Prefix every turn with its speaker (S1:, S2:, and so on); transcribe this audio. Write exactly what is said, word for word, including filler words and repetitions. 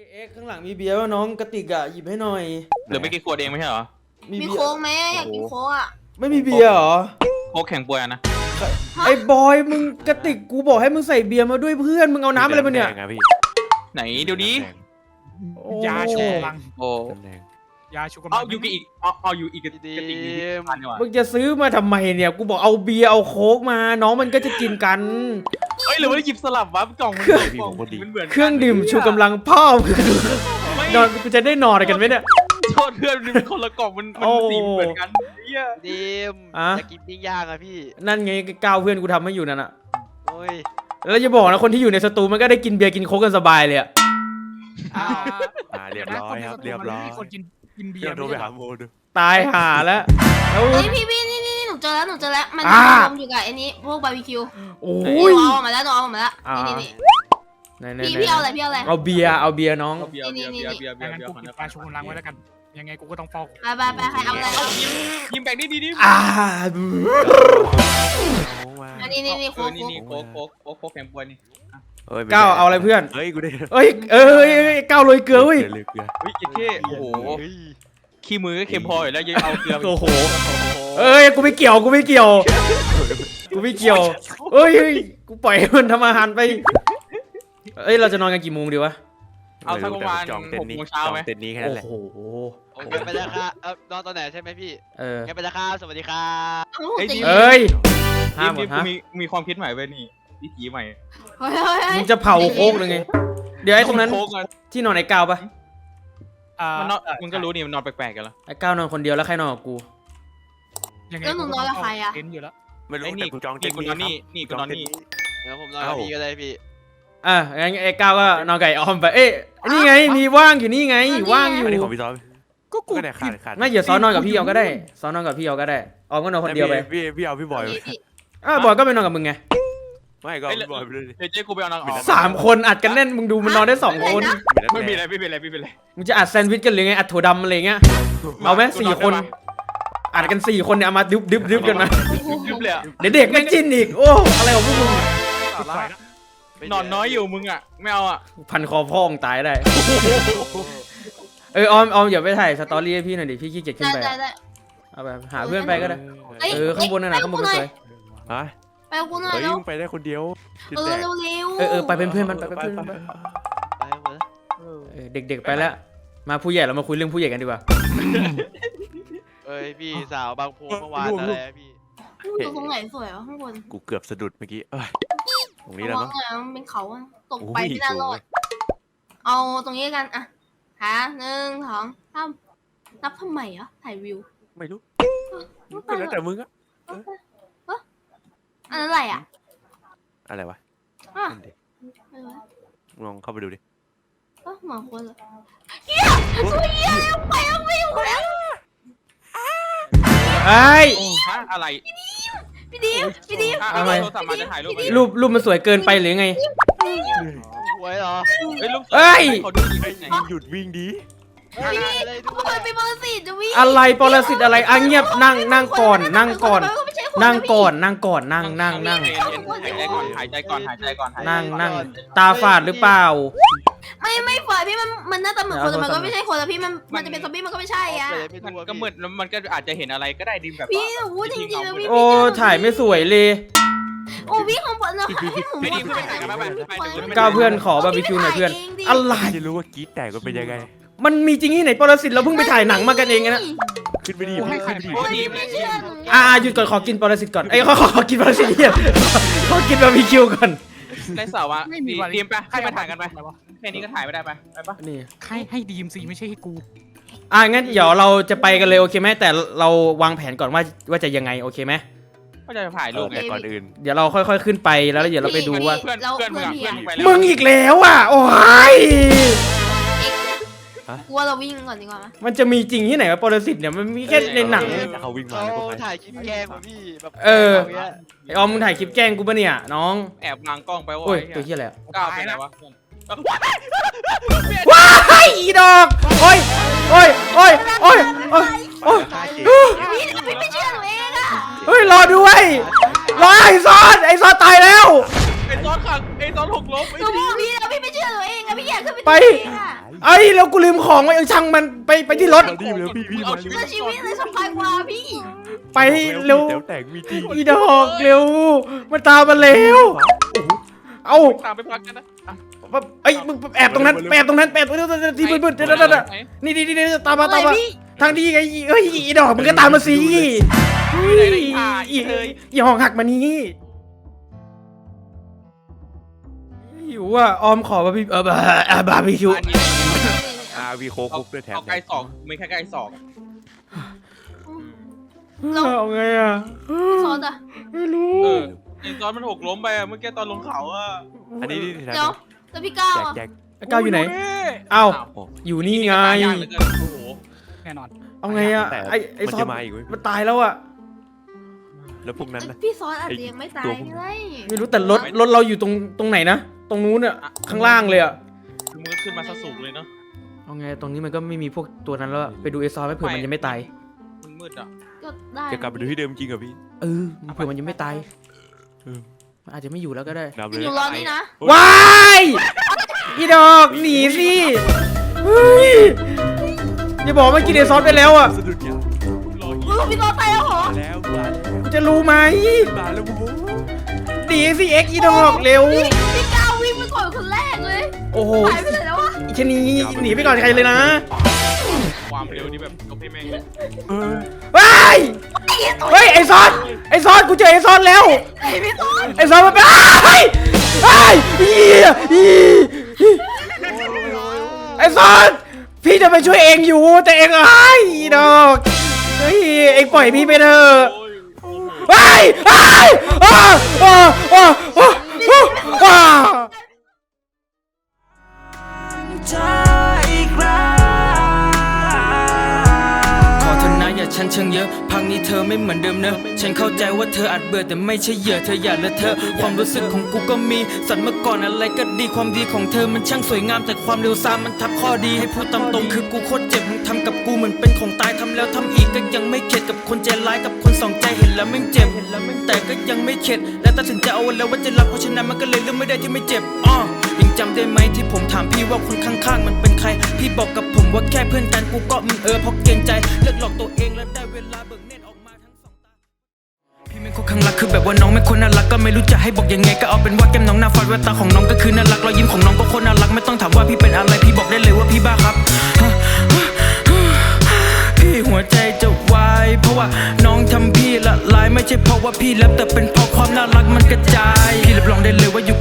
S1: เอ็กข้างหลังมีเบียร์ว่าน้องกระติกอะหยิบให้หน่อย
S2: เหลือไม่กี่ขวดเองไม่ใช่เหรอ
S3: มีโค้กไหมอยากกินโค้กอ่ะ
S1: ไม่มีเบียร์เหรอ
S2: โค้กแข่งป่วยนะ
S1: ไอ้บอยมึงกระติกกูบอกให้มึงใส่เบียร์มาด้วยเพื่อนมึงเอาน้ำอะไรมาเนี่ย
S2: ไหนเดี๋ยวนี้
S4: ยาชูกำลัง
S2: โอ้
S4: ยาชูกำลัง
S2: เอาอยู่อีกเอาเอาอยู่อีกกระติกนี้
S1: มึงจะซื้อมาทำไมเนี่ยกูบอกเอาเบียร์เอาโค้กมาน้องมันก็จะกินกัน
S2: เฮ้ยหรือว่าหยิบสลับวะกล่องมันเหมือน
S1: เครื่องดื่มชูกำลังพ่อนอนกูจะได้นอนกันไหมเนี่ย
S2: โทษเพื่อนมันเป็นคนละกล่องมันมันสีเหมือนกัน
S5: ดิมจะกินปิ้งย่างอะพี่
S1: นั่นไงก้าวเพื่อนกูทำให้อยู่นั่นอะ
S5: โอ้ย
S1: แล้วจะบอกนะคนที่อยู่ในสตูมันก็ได้กินเบียร์กินโค้กกันสบายเลยอะ
S4: เรียบร้อยครับเรียบร้อยคนกินกินเบียร์
S5: โทรไปหาโมดู
S1: ตายห่าแล้ว
S3: แล้วพี่พี่นี่นี่หนูเจอแล้วหนูเจอแล้วมันรวมอยู่กับไอ้นี้พวกบาร์บีคิว
S1: โอ้
S3: ยหนูเอามาแล้วหนูเอามาแล้วนี่นี่พี่พี่เอาอะไรพี่เอาอะไร
S1: เอาเบียร์เอาเบียร์น้อง
S3: นี่นี่
S4: นี่งั้นกูกินปลาชูกำลังไว้แล้วกันยังไงกูก็ต้องฟอก
S3: ไปไปไปใครเอาอะไร
S2: ยิ้มแบ่งนี่ดีดิ
S1: อ่า
S3: อันนี้นี่นี่โค้ก
S2: นี่นี่โค้กโค้กโค้กโค้กแข่งป่วยนี่
S1: ก้าวเอาอะไรเพื่อน
S5: เฮ้ยกูได้
S1: เฮ้ยเอ้ยก้าวโรยเกลือเว้ย
S2: เฮ้ยกินเท่โอ้โหขี้มือก็เค็มพออยู่แล้วยังเอาเกลือ
S1: โอ้โหเอ้ยกูไม่เกี่ยวกูไม่เกี่ยวกูไม่เกี่ยวเอ้ยกูปล่อยมันทำอาหารไปเอ้ยเราจะนอนกันกี่โมงดีวะ
S2: เอาสักประมาณหกโมงเช้าไหม
S5: เต็นนี้แค่นั้นแหละ
S1: โอ้โห
S5: โอเคไปแล้วครับเออนอนตอนไหนใช่ไหมพี่
S1: เออ
S5: ไปแล้วครับสวัสดีครับ
S1: เอ้ย
S2: ห้ามหมดฮะมีมีความคิดใหม่เว้ยนี่วิถีใหม่
S1: มึงจะเผาโค้กเลยไงเดี๋ยวไอ้ตรงนั้นที่นอนไอ้ก้าวปะ
S2: มันนอนมึงก็รู้นี่มันนอนแปลกๆกันแล้ว
S1: ไอ้ก้าวนอนคนเดียวแล้วใครนอนกับกู
S3: แล้วหนูนอนกับใครอะ
S4: อยู่แล้ว
S5: ไม่รู้แต่กูจองเต็น
S2: ท์นี่นี่กูนอนนี่
S5: เดี๋ยวผมนอนกับพี่ก็ได้พี่
S1: อ่ะงั้นไอ้ก้าวก็นอนกับไอ้ออมไปเอ๊ะนี่ไงมีว่างอยู่นี่ไงว่างอยู่
S5: ของพี่ซ้อน
S4: ก็กู
S1: ไม่เดี๋ยวซ้อนนอนกับพี่เอาก็ได้ซ้อนนอนกับพี่เอาก็ได้ออมก็นอนคนเดียวไป
S5: พี่พี่เอาพี่บอย
S1: อ่ะบอยก็ไปนอนกับมึงไง
S5: ไม่ก็พี่บอยไปเลย
S2: เดี๋ยวเจ๊กูไปเอานอน
S1: สามคนอัดกันแน่นมึงดูมันนอนได้สองคน
S2: ไม่มีอะไรไม่เป็นไรไม่เป็นไร
S1: มึงจะอัดแซนด์วิชกันหรือไงอัดถั่วดำอะไรเงี้ยเอาไหมสี่คนอัดกันสี่คนเนี่ยเอามาดึบดึบดึบกันมาเดี๋ยวเด็กแม่งจิ้นอีกโอ้อะไรของพวกมึง
S2: นอนน้อยอยู่มึงอ่ะไม่เอาอ่ะ
S1: พันคอพ่องตายได้เออออมออมอย่าไปถ่ายสตอรี่ให้พี่หน่อยดิพี่ขี้เกียจขึ้นไปเอาไปหาเพื่อนไปก็ได้เออข้างบนนั่นแหละข้างบนสวย
S5: ฮะ
S3: ไปกับกูหน่อย
S5: เฮ้ยมึงไปได้คนเดียว
S3: เออเร็วเร็ว
S1: เออเออไปเป็นเพื่อนมันไปเป็นเพื่อนมันไปเด็กๆไปแล้วมาผู้ใหญ่เรามาคุยเรื่องผู้ใหญ่กันดีกว่า
S5: เอ้ยพี่สาวบางโพเมื่อวานอะไรพี่
S3: ดูตรงไหนสวยวะข้างบน
S5: กูเกือบสะดุดเมื่อกี้เอ้ยตรงนี้แล้ว
S3: มั้งเป็นเขาตกไปไม่น่ารอดเอาตรงนี้กันอ่ะหาหนึ่งสองสามนับทำไมอ่ะถ่ายวิว
S5: ไม่รู้ก็แล้วแต่มึงอะ
S3: อันนั้นอะไรอ่ะ
S5: อะไรวะลองเข้าไปดูดิ
S3: ก็หมอคนเลยเฮียตัวเฮียไปแล้วไม่อยู่แล้ว
S1: ไอ้
S2: อะไร
S3: พี่ดิมพี่ดิม
S1: ทำไม
S2: รู
S1: ปรูปมันสวยเกินไปหรือไง
S5: สวยเหรอ
S1: เฮ้ย
S5: หยุดวิ่งดี
S3: เป็นปรสิตจะวิ่ง
S1: อะไรปรสิตอะไรอ่ะเงียบนั่งนั่งก่อนนั่งก่อนนั่งก่อนนั่งก่อนนั่งนั่งนั่ง
S2: หายใจก่อนหายใจก่อนหายใจก่อน
S1: นั่งนั่งตาฝาดหรือเปล่า
S3: ไม่ไม่ฝาดพี่มันมันหน้าตาเหมือนคนแต่มันก็ไม่ใช่คนแล้วพี่มันมันจะเป็นซอมบี้มันก็ไม่ใช่อ่ะ
S2: ก็มืดแล้วมันก็อาจจะเห็นอะไรก็ได้ดิแบบ
S3: พี่โอ้จริงจริงแล้วพี่
S1: โอ้ถ่ายไม่สวยเลย
S3: โอ้พี่ของผมนะให้ผม
S2: ไม่ดีเพื่อนถ่ายกันไป
S1: ก้าวเพื่อนขอบาร์บีคิวหน่อยเพื่อนอะไร
S5: จะรู้ว่ากี๊ดแตกก็เป็นยังไง
S1: มันมีจริงที่ไหนปรสิตเราเพิ่งไปถ่ายหนังมากันเองนะ
S5: ขึ้นไปดีขึ้นไปดี
S1: อ่าหยุดก่อนขอกินปรสิตก่อนไอ้ขอขอกินปรสิตเฮียขอกินบาร์บีคิวก่อน
S2: ในสาวะดีมไปให้มาถ่ายกันไปแค่นี้ก็ถ่ายไม่ได้ไปไปปะ
S1: นี่
S4: ให้ให้ดีมสิไม่ใช่ให้กู
S1: อ่างั้นเดี๋ยวเราจะไปกันเลยโอเคไหมแต่เราวางแผนก่อนว่าว่าจะยังไงโอเคไหม
S2: ก็จะถ่ายรูปไง
S5: ก่อนอื่น
S1: เดี๋ยวเราค่อยๆขึ้นไปแล้วเดี๋ยวเราไปดูว่า
S2: เพื่อนเพื่อนมึงเพื่อนไป
S1: มึงอีกแล้วอ่ะโอ้ย
S3: กลัวเราวิ่งก่อนดีกว่า
S1: มันจะมีจริงที่ไหนวะปรสิตเนี่ยมันมีแค่ในหนัง
S5: เขาวิ่งมาถ่ายคลิปแกล้งพี่แบบ
S1: เออไอออมมึงถ่ายคลิปแกล้งกูปะเนี่ยน้อง
S2: แอบวางกล้องไปว่า
S1: โอ้ยตัวเหี้ยอะไร
S2: ก้าวไปไหนวะ
S1: ว้ายอีดอกโอ้ยโอ้ยโอ้ยโอ้ยโอ้ยโอ้ย
S3: พี่ไม่เชื่อหนูเองอะ
S1: เฮ้ยรอด้วยรอไอซอนไอซอนตายแล้ว
S2: ไอซอนขังไอซอนหกล้ม
S3: หนูบอกพี่แล้วพี่ไม่เชื่อหนูเองอะพี่อยากขึ้นไป
S1: ไปไอ้แล้วกูลืมของไว้เออช่างมันไปไปที่รถ
S4: มาดิเร็วพี่พี่มาเร็ว
S3: เพื่อชีวิตเลยสบายกว่าพี่
S1: ไปเร็ว
S4: แถวแตกมีจริง
S1: อีดอกเร็วมันตามมาเร็วเอา
S2: ตามไปพักกันนะ
S1: ไอ้มึงแอบตรงนั้นแอบตรงนั้นแอบตรงนั้นที่มืดๆนั่นๆๆนี่นี่นี่ตามมาตามมาทางดีไงเอ้ยอีดอกมึงก็ตามมาสิเฮ้ยอีอีห้องหักมานี่หิวอ่ะออมขอบาร์บีเออบาบาร์บีคิว
S4: อาวีโคคุกด้วยแถม
S2: เอาไก่สองไม่แค่ไก่สอง
S1: เอาไงอ่ะ
S3: ซอสอะ
S1: ไม่รู้
S2: เออไอ้ตอนมันหกล้มไปอะเมื่อกี้ตอนลงเขาอะ
S4: อันนี้นี่แถม
S3: เดี๋ยวแล้วพี่ก้าว
S4: แจก
S3: อะ
S4: แจก
S1: ก้าวอยู่ไหนเอ้า
S4: โอ้
S1: อยู่นี่ไง
S2: ยากเหลือเกินโอ้โห
S4: แน่นอน
S1: เอาไงอ่ะ
S4: แต่
S1: ไอ้ไอ้
S4: มัน
S1: ซอ
S4: จะ
S1: ส
S4: มาอีกเว้ย
S1: มันตายแล้วอ่ะ
S4: แล้วพวกนั้นนะ
S3: พี่ซอสอาจจะยังไม่ตายก็ได้
S1: ไม่รู้แต่รถรถเราอยู่ตรงตรงไหนนะตรงนู้นอ่ะข้างล่างเลยอ่ะ
S2: คือมือขึ้นมาซะสูงเลยเนาะ
S1: เอาไงตรงนี้มันก็ไม่มีพวกตัวนั้นแล้วอะไปดูไอ้ซอสไม่เผื่อมันยังไม่ตาย
S2: มันมืดอ่ะ
S3: ก็ได้
S4: จะกลับไปดูที่เดิมจริงเหรอพี่
S1: เออเผื่อมันยังไม่ตาย
S4: เออ
S1: มันอาจจะไม่อยู่แล้วก็ได้
S4: นำเล
S3: อย ยู่รอนี่นะ
S1: ว้ายอีดอกหนีสิเฮ้ยอย่าบอกว่ากินไอ้ซอสไปแล้วอ่ะ
S4: สะดุดยาง
S2: รอ
S3: เออพี่ซอสตายแล้วเหรอ
S4: มาแล้วมาแล้ว
S1: กูจะรู้ไหม
S4: มาแล้วโว้ย
S1: หนีสิเอ็กอีดอกเร็ว
S3: พี่พี่ก้าววิ่งไปก่อนคนแรกเลย
S1: โอ้โห
S3: หายไปไหนแล้ววะ
S1: อีชะนีหนีไปก่อนใครเลยนะ
S2: ความเร็วนี่แบบยกให้แม่งเลย
S4: เออ
S1: ว้ายเฮ้ยไอ้ซอสไอ้ซอสกูเจอไอ้ซอสแล้ว
S3: ไอ้พี่ซอส
S1: ไอ้ซอสมันเป็นไอ้ไอ้อีอีไอ้ซอสพี่จะไปช่วยเองอยู่แต่เองไอ้อีดอกเฮ้ยเองปล่อยพี่ไปเถอะ
S2: โอ้ย
S1: ไอ้ไอ้อ้าอ้าอ้าอ้าอ้าขอเธอนะอย่าฉันเชิงเยอะพังนี้เธอไม่เหมือนเดิมเนอะฉันเข้าใจว่าเธออาจเบื่อแต่ไม่ใช่เหยื่อเธออย่าละเธอความรู้สึกของกูก็มีสัตว์เมื่อก่อนอะไรก็ดีความดีของเธอมันช่างสวยงามแต่ความเร็วซามมันทับข้อดีให้พูดตามตรงคือกูโคตรเจ็บมึงทำกับกูเหมือนเป็นของตายทำแล้วทำอีกก็ยังไม่เข็ดกับคนใจร้ายกับคนสองใจเห็นแล้วแม่งเจ็บเห็นแล้วแม่งแต่ก็ยังไม่เข็ดและตัดสินใจเอาไว้แล้วว่าจะรับเพราะฉะนั้นมันก็เลยเลือกไม่ได้ที่ไม่เจ็บอ้อยังจำได้ไหมที่ผมถามพี่ว่าคนข้างๆมันเป็นใครพี่บอกกับผมว่าแค่เพื่อนกันกูก็อืมเออเพราะเกรงใจเลิกหลอกตัวเองแล้วได้เวลาเบิกเนตรออกมาทั้งสองตาพี่ไม่คนข้างรักคือแบบว่าน้องไม่คนน่ารักก็ไม่รู้จะให้บอกยังไงก็เอาเป็นว่าแก้มน้องหน้าฟาดแววตาของน้องก็คือน่ารักรอยยิ้มของน้องก็โคตรน่ารักไม่ต้องถามว่าพี่เป็นอะไรพี่บอกได้เลยว่าพี่บ้าครับพี่หัวใจจะวายเพราะว่าน้องทำพี่ละลายไม่ใช่เพราะว่าพี่แลบแต่เป็นเพราะความน่ารักมันกระจายพี่รับรองได้เลยว่าอยู่